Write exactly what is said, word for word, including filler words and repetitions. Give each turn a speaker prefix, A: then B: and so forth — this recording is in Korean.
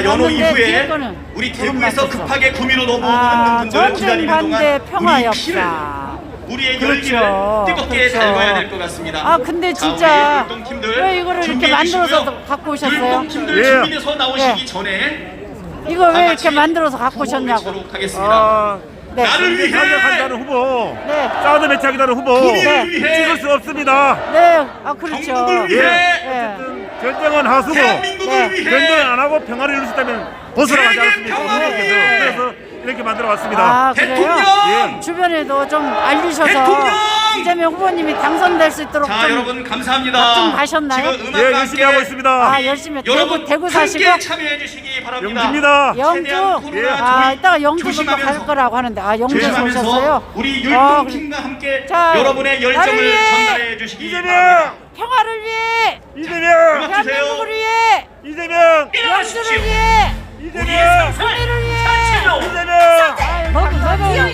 A: 연호
B: 봤는데 뒤에
A: 이후에
B: 거는
A: 우리
B: 조금
A: 대구에서
B: 맞춰서.
A: 급하게 구미로 넘어오는
B: 아,
A: 분들을
B: 전쟁
A: 기다리는
B: 반대
A: 동안
B: 평화
A: 우리 피를
B: 역사.
A: 우리의
B: 그렇죠.
A: 열기를 뜨겁게
B: 그렇죠.
A: 달궈야 될 것 같습니다.
B: 아 근데
A: 자,
B: 진짜
A: 우리 율동팀들
B: 왜 이거를 이렇게
A: 준비해
B: 만들어서
A: 주시고요.
B: 갖고 오셨어요?
A: 율동팀들
C: 예.
A: 준비돼서 나오시기
B: 예.
A: 전에
B: 이거
A: 다
B: 왜
A: 같이
B: 이렇게 만들어서 갖고
A: 구호
B: 오셨냐고.
A: 외치도록 하겠습니다.
C: 아,
B: 네.
A: 나를 위해
C: 한다는 후보,
B: 네.
C: 사드 배치하겠다는 후보
A: 구미를
B: 네.
A: 위해
C: 찍을 수 없습니다.
B: 네, 아 그렇죠.
A: 경북을 위해
B: 네.
C: 전쟁은 하수고
A: 대한민국을
B: 네.
C: 전쟁
A: 위해
C: 안 하고 평화를 이룰 수 있다면 벗어나가지
A: 세계
C: 않습니까?
A: 평화를
C: 그래서,
A: 위해.
C: 그래서 이렇게 만들어 왔습니다.
B: 아 그래요?
A: 대통령!
B: 주변에도 좀 알리셔서
A: 대통령!
B: 이재명 후보님이 당선될 수 있도록
A: 자
B: 좀
A: 여러분 감사합니다.
B: 걱정 가셨나요?
A: 지금 음악과
C: 예, 열심히 하고 있습니다.
B: 아 열심히
A: 여러분
B: 대구 대구 사시고
A: 함께 참여해 주시기 바랍니다.
C: 영주입니다.
B: 영주
A: 최대한 코로나
B: 아
A: 조이-
B: 이따가 영주도 또
A: 조심하면서
B: 갈 거라고 하는데 아 영주에서
A: 조심하면서
B: 오셨어요?
A: 우리
B: 아,
A: 율동팀과 함께
B: 자,
A: 여러분의
B: 나를
A: 열정을
B: 위해
A: 전달해 주시기
C: 이재명!
A: 바랍니다.
B: 평화를 위해
C: 이재명!
A: 음악 주세요.
B: 대한민국을 위해
C: 이재명!
B: 영주를 위해